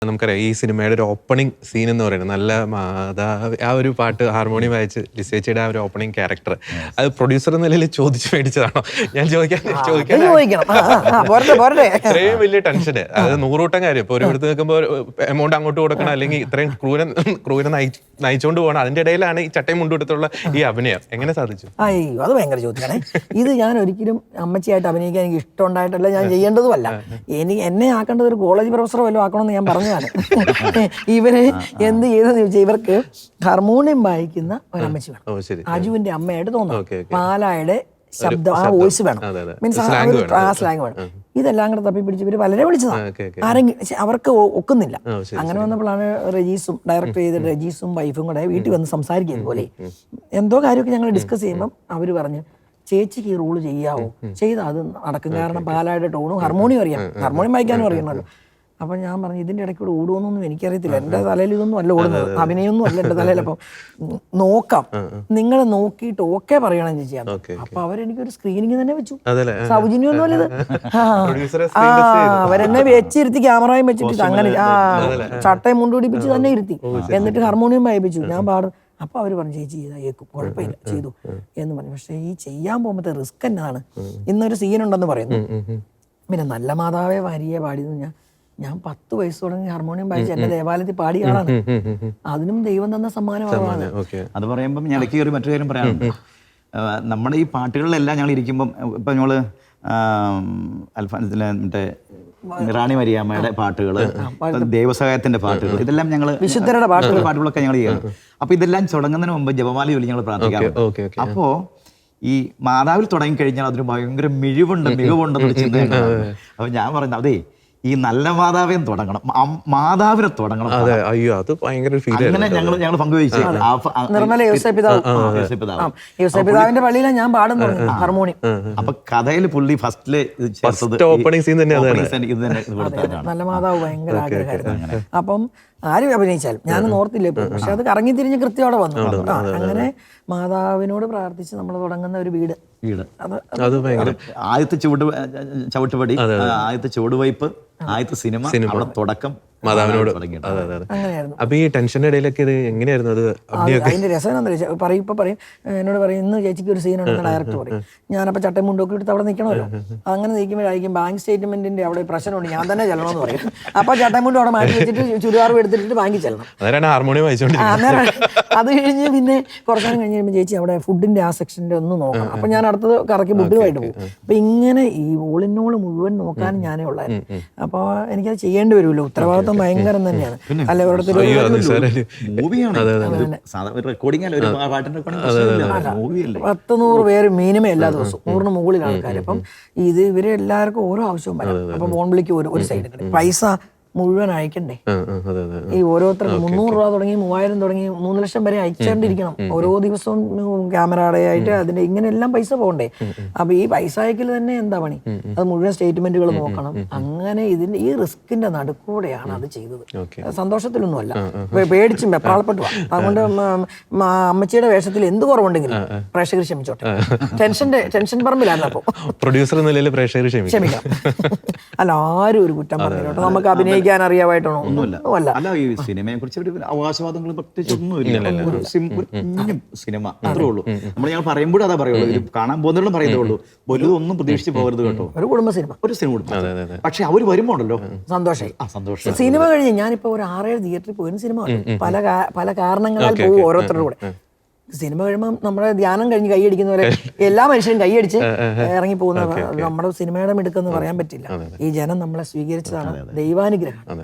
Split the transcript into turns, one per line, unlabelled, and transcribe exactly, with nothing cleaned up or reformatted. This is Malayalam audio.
നമുക്കറിയാം ഈ സിനിമയുടെ ഒരു ഓപ്പണിംഗ് സീൻ എന്ന് പറയുന്നത് നല്ല മാതാവ് ആ ഒരു പാട്ട് ഹാർമോണിയം വായിച്ച് ലിസേച്ചിയുടെ ആ ഒരു ഓപ്പണിംഗ് ക്യാരക്ടർ അത് പ്രൊഡ്യൂസർ എന്ന നിലയിൽ ചോദിച്ചു മേടിച്ചതാണോ? ഞാൻ ചോദിക്കാൻ ചോദിക്കാൻ ഇത്രയും വലിയ ടെൻഷന് അത് നൂറുകൂട്ടം കാര്യം ഇപ്പൊ ഒരിടത്ത് നിൽക്കുമ്പോൾ എമൗണ്ട് അങ്ങോട്ട് കൊടുക്കണം, അല്ലെങ്കിൽ ഇത്രയും ക്രൂരൻ ക്രൂരൻ നയിച്ചുകൊണ്ട് പോകണം, അതിന്റെ ഇടയിലാണ് ഈ ചട്ടയും മുണ്ടെടുത്തുള്ള ഈ അഭിനയം എങ്ങനെ സാധിച്ചു?
അയ്യോ, അത് ഭയങ്കര ചോദ്യമാണ്. ഇത് ഞാൻ ഒരിക്കലും അമ്മച്ചിയായിട്ട് അഭിനയിക്കാൻ എനിക്ക് ഇഷ്ടമുണ്ടായിട്ടല്ല, ഞാൻ ചെയ്യേണ്ടതുമല്ല. എനിക്ക് എന്നെ ആക്കേണ്ടത് ഒരു കോളേജ് പ്രൊഫസറോ വല്ലതും ആക്കണമെന്ന് ഞാൻ പറഞ്ഞതാണ്. ഇവര് എന്ത് ചെയ്തെന്ന് ചോദിച്ചാൽ ഇവർക്ക് ഹാർമോണിയം വായിക്കുന്ന ഒരു അമ്മച്ചി വേണം, അജുവിന്റെ അമ്മയായിട്ട് തോന്നുന്നു, പാലായുടെ ശബ്ദം ആ വോയിസ് വേണം, മീൻസ് ആ സ്ലാങ് വേണം. ഇതെല്ലാം കൂടെ തപ്പി പിടിച്ച് ഇവര് വളരെ വിളിച്ചതാണ്. ആരെങ്കിലും അവർക്ക് ഒക്കുന്നില്ല. അങ്ങനെ വന്നപ്പോഴാണ് റജീസും ഡയറക്ട് ചെയ്ത റജീസും വൈഫും കൂടെ വീട്ടിൽ വന്ന് സംസാരിക്കുന്നത് പോലെ എന്തോ കാര്യമൊക്കെ ഞങ്ങൾ ഡിസ്കസ് ചെയ്യുമ്പം അവര് പറഞ്ഞു, ചേച്ചിക്ക് ഈ റോള് ചെയ്യാവോ? ചെയ്താൽ അത് നടക്കും, കാരണം പാലായുടെ ടോണും ഹാർമോണിയം അറിയാം, ഹാർമോണിയം വായിക്കാനും അറിയണമല്ലോ. അപ്പം ഞാൻ പറഞ്ഞു, ഇതിൻ്റെ ഇടയ്ക്ക് കൂടെ ഓടുമെന്നൊന്നും എനിക്കറിയത്തില്ല, എൻ്റെ തലയിൽ ഇതൊന്നും അല്ല ഓടുന്നത്, അഭിനയൊന്നും അല്ല എൻ്റെ തലയിൽ. അപ്പം നോക്കാം, നിങ്ങൾ നോക്കിയിട്ട് ഓക്കെ പറയണം ചേച്ചിയാണ്. അപ്പൊ അവരെനിക്കൊരു സ്ക്രീനിങ് തന്നെ വെച്ചു, സൗജന്യമൊന്നും അല്ലത്. ആ അവരെന്നെ വെച്ചിരുത്തി, ക്യാമറയും വെച്ചിട്ട് അങ്ങനെ ആ ചട്ടയും മുണ്ടുപിടിപ്പിച്ച് തന്നെ ഇരുത്തി, എന്നിട്ട് ഹാർമോണിയം വായിപ്പിച്ചു. ഞാൻ പാടും. അപ്പൊ അവര് പറഞ്ഞു, ചേച്ചി ചെയ്താ കേൾക്കും, കുഴപ്പമില്ല, ചെയ്തു എന്ന് പറഞ്ഞു. പക്ഷെ ഈ ചെയ്യാൻ പോകുമ്പോഴത്തെ റിസ്ക് എന്നാണ്. ഇന്നൊരു സീനുണ്ടെന്ന് പറയുന്നു, പിന്നെ നല്ല മാതാവേ വാരിയെ പാടിയെന്ന് ഞാൻ ഞാൻ പത്ത് വയസ്സ് തുടങ്ങി ഹാർമോണിയം വായിച്ച് എന്റെ ദേവാലയത്തിൽ പാടിയ ആളാണ്. അതിനും ദൈവം തന്ന സമ്മാനമാണ്.
അത് പറയുമ്പം ഞാൻ ഇടയ്ക്ക് ഒരു മറ്റൊരു കാര്യം പറയാനുണ്ട്. നമ്മുടെ ഈ പാട്ടുകളിലെല്ലാം ഞങ്ങൾ ഇരിക്കുമ്പം ഇപ്പം ഞങ്ങള് അൽഫാൻസിലെ മറ്റേ റാണി മരിയാമ്മയുടെ പാട്ടുകള്, ദൈവസഹായത്തിന്റെ പാട്ടുകൾ, ഇതെല്ലാം ഞങ്ങള് വിശുദ്ധരുടെ പാട്ടുകൾ പാട്ടുകളൊക്കെ ഞങ്ങൾ ചെയ്യണം. അപ്പൊ ഇതെല്ലാം തുടങ്ങുന്നതിന് മുമ്പ് ജപമാല ചൊല്ലി ഞങ്ങൾ പ്രാർത്ഥിക്കാം. അപ്പോ ഈ മാതാവിൽ തുടങ്ങി കഴിഞ്ഞാൽ അതിന് ഭയങ്കര മിഴിവുണ്ട്, മികവുണ്ടെന്ന് ചിന്തയാണ്. അപ്പൊ ഞാൻ പറഞ്ഞു, അതേ ഈ നല്ല മാതാവിനെ തുടങ്ങണം, മാതാവിനെ തുടങ്ങണം.
അയ്യോ, അത് ഭയങ്കര
അങ്ങനെ ഞങ്ങൾ ഞങ്ങൾ പങ്കുവെച്ചു.
നിർമ്മല യോസേപ്പിതാവിന്റെ പള്ളിയിലാണ് ഞാൻ പാടുന്നു ഹാർമോണിയം.
അപ്പൊ കഥയിൽ പുള്ളി ഫസ്റ്റില്
ഓപ്പണിംഗ് സീൻ തന്നെ
നല്ല മാതാവ് ഭയങ്കര ആഗ്രഹമായിരുന്നു. അപ്പം ആരും അഭിനയിച്ചാലും ഞാനൊന്നും ഓർത്തില്ല ഇപ്പൊ, പക്ഷെ അത് കറങ്ങി തിരിഞ്ഞ് കൃത്യയോടെ വന്നു. അങ്ങനെ മാതാവിനോട് പ്രാർത്ഥിച്ച് നമ്മൾ തുടങ്ങുന്ന ഒരു വീട്
വീട് ആദ്യത്തെ ചുവട് ചവിട്ടുപടി, ആദ്യത്തെ ചുവടുവയ്പ്, ആദ്യത്തെ സിനിമ, അവിടെ തുടക്കം
മാതാവിനോട്. അപ്പൊ ഈ ടെൻഷന്റെ ഇടയിലൊക്കെ ഇത് എങ്ങനെയായിരുന്നു? അത്
അതിന്റെ രസം എന്താ പറയും, ഇപ്പൊ പറയും എന്നോട് പറയും, ഇന്ന് ചേച്ചിക്ക് ഒരു സീനുണ്ടെന്ന് ഡയറക്ടർ പറയും. ഞാനപ്പോൾ ചട്ടയും മുണ്ടൊക്കെ എടുത്ത് അവിടെ നിൽക്കണമല്ലോ. അങ്ങനെ നിൽക്കുമ്പോഴായിരിക്കും ബാങ്ക് സ്റ്റേറ്റ്മെന്റിന്റെ അവിടെ പ്രശ്നമുണ്ട്, ഞാൻ തന്നെ ചെല്ലണമെന്ന് പറയും. അപ്പൊ ചട്ടയും മുണ്ടും അവിടെ മാറ്റി വെച്ചിട്ട് ചുരിദാറും എടുത്തിട്ട് ബാങ്കിൽ ചെല്ലണം.
ഹാർമോണിയം
അന്നേരം അത് കഴിഞ്ഞ് പിന്നെ കുറച്ചു നേരം കഴിഞ്ഞ് കഴിയുമ്പോൾ ചേച്ചി അവിടെ ഫുഡിന്റെ ആ സെക്ഷന്റെ ഒന്ന് നോക്കണം. അപ്പൊ ഞാൻ അടുത്തത് കറക്കി ഫുഡുമായിട്ട് പോകും. അപ്പൊ ഇങ്ങനെ ഈ ഓളിനോള് മുഴുവൻ നോക്കാനും ഞാനേ ഉള്ളായിരുന്നു. അപ്പൊ എനിക്കത് ചെയ്യേണ്ടി വരുമല്ലോ, ഉത്തരവാദിത്വം ഭയങ്കരം തന്നെയാണ്. അല്ലെ പത്ത് നൂറ് പേര് മിനിമം എല്ലാ ദിവസവും, നൂറിന് മുകളിൽ ആൾക്കാർ. അപ്പം ഇത് ഇവര് എല്ലാവർക്കും ഓരോ ആവശ്യവും വരും. അപ്പൊ ഫോൺ വിളിക്ക് ഒരു സൈഡ് പൈസ മുഴുവൻ അയക്കണ്ടേ. ഈ ഓരോരുത്തർക്ക് മുന്നൂറ് രൂപ തുടങ്ങി മൂവായിരം തുടങ്ങി മൂന്ന് ലക്ഷം വരെ അയച്ചുകൊണ്ടിരിക്കണം ഓരോ ദിവസവും. ക്യാമറയുടെ ആയിട്ട് അതിന്റെ ഇങ്ങനെ എല്ലാം പൈസ പോകണ്ടേ. അപ്പൊ ഈ പൈസ അയക്കൽ തന്നെ എന്താ പണി, അത് മുഴുവൻ സ്റ്റേറ്റ്മെന്റുകൾ നോക്കണം. അങ്ങനെ ഇതിന്റെ ഈ റിസ്കിന്റെ നടുക്കൂടെയാണ് അത് ചെയ്തത്. സന്തോഷത്തിലൊന്നുമല്ല, പേടിച്ചും വെപ്രാളപ്പെട്ടു. അതുകൊണ്ട് അമ്മച്ചിയുടെ വേഷത്തിൽ എന്ത് കുറവുണ്ടെങ്കിലും പ്രേക്ഷകർ ക്ഷമിച്ചോട്ടെ. ടെൻഷന്റെ ടെൻഷൻ പറമ്പിലാണ്. അപ്പൊ
പ്രൊഡ്യൂസർ നിലയിൽ പ്രേക്ഷകർ
ക്ഷമിക്കാം. അല്ല, ആരും ഒരു കുറ്റം പറഞ്ഞിട്ട് നമുക്ക് അഭിനയിക്കാൻ അറിയാമായിട്ടാണോ?
ഒന്നുമല്ല. അല്ല, ഈ സിനിമയെ കുറിച്ച് അവകാശവാദങ്ങളും പ്രത്യേകിച്ച് ഒന്നുമില്ല. സിനിമ അത്രേ ഉള്ളൂ. നമ്മൾ ഞങ്ങൾ പറയുമ്പോഴും അതാ പറയുള്ളൂ, കാണാൻ പോകുന്നവരും പറയുന്നുള്ളൂ, വലുതും ഒന്നും പ്രതീക്ഷിച്ച് പോകരുത് കേട്ടോ.
ഒരു കുടുംബ സിനിമ,
ഒരു സിനിമ. പക്ഷെ അവര് വരുമ്പോ ഉണ്ടല്ലോ
സന്തോഷമായി.
സന്തോഷം.
സിനിമ കഴിഞ്ഞ് ഞാനിപ്പോ ഒരു ആറേഴ് തിയേറ്ററിൽ പോയിരുന്ന സിനിമ പല പല കാരണങ്ങളാൽ പോകും ഓരോരുത്തരുടെ കൂടെ. സിനിമ കഴിയുമ്പോൾ നമ്മുടെ ധ്യാനം കഴിഞ്ഞ് കൈയടിക്കുന്ന പോലെ എല്ലാ മനുഷ്യരും കൈയടിച്ച് ഇറങ്ങി പോകുന്ന നമ്മുടെ സിനിമയുടെ മിടുക്കെന്ന് പറയാൻ പറ്റില്ല. ഈ ജനം നമ്മളെ സ്വീകരിച്ചതാണ്, ദൈവാനുഗ്രഹം.